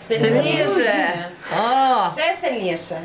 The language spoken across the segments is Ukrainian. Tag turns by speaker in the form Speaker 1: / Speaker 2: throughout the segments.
Speaker 1: Сильніше. Ще сильніше.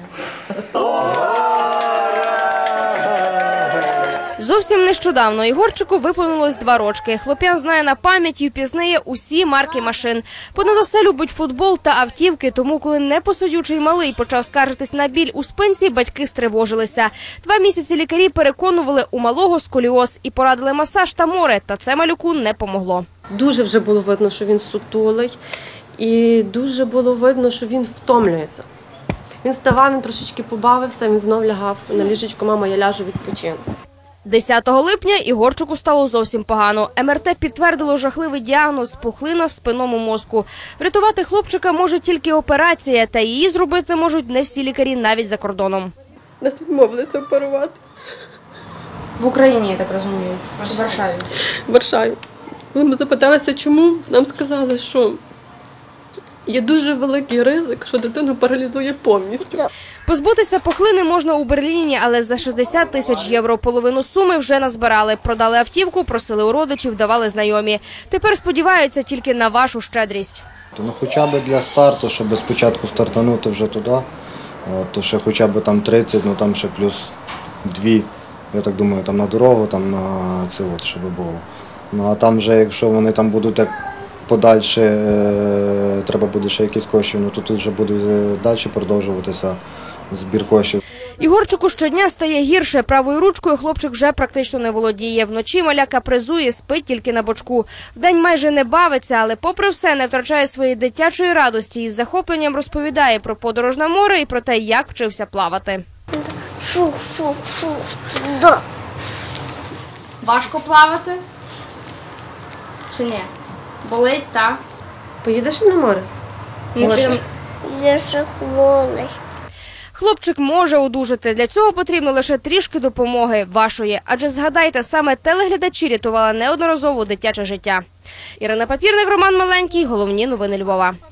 Speaker 2: Зовсім нещодавно Ігорчику виповнилось 2 рочки. Хлоп'ян знає на пам'ять і впізнає усі марки машин. Понад усе любить футбол та автівки, тому коли непосудючий малий почав скаржитись на біль у спинці, батьки стривожилися. 2 місяці лікарі переконували, у малого сколіоз і порадили масаж та море, та це малюку не помогло.
Speaker 3: Дуже вже було видно, що він сутулий, і дуже було видно, що він втомлюється. Він вставав, він трошечки побавився, він знов лягав на ліжечко, мама, я ляжу, відпочину.
Speaker 2: 10 липня Ігорчику стало зовсім погано. МРТ підтвердило жахливий діагноз – пухлина в спинному мозку. Врятувати хлопчика може тільки операція, та її зробити можуть не всі лікарі навіть за кордоном.
Speaker 3: Нас відмовилися оперувати.
Speaker 2: В Україні, я так розумію, в Варшаві.
Speaker 3: В Варшаві. Коли ми запиталися, чому, нам сказали, що є дуже великий ризик, що дитину паралізує повністю.
Speaker 2: Позбутися пухлини можна у Берліні, але за 60 тисяч євро. Половину суми вже назбирали. Продали автівку, просили у родичів, давали знайомі. Тепер сподіваються тільки на вашу щедрість.
Speaker 4: Ну, хоча б для старту, щоб спочатку стартанути вже туди, то ще хоча б там 30, ну там ще плюс 2, я так думаю, там на дорогу, там на це от, щоб було. Ну а там вже, якщо вони там будуть як подальше, треба буде ще якісь коштів, ну то тут вже буде далі продовжуватися збір коштів.
Speaker 2: Ігорчику щодня стає гірше. Правою ручкою хлопчик вже практично не володіє. Вночі маля капризує, спить тільки на бочку. Вдень майже не бавиться, але попри все не втрачає своєї дитячої радості і з захопленням розповідає про подорож на море і про те, як вчився плавати.
Speaker 5: Да.
Speaker 2: Важко плавати? Чи ні? Болить, так?
Speaker 3: Поїдеш на море?
Speaker 5: Я же хворий.
Speaker 2: Хлопчик може одужати. Для цього потрібно лише трішки допомоги вашої. Адже згадайте, саме телеглядачі рятували неодноразово дитяче життя. Ірина Папірник, Роман Маленький. Головні новини Львова.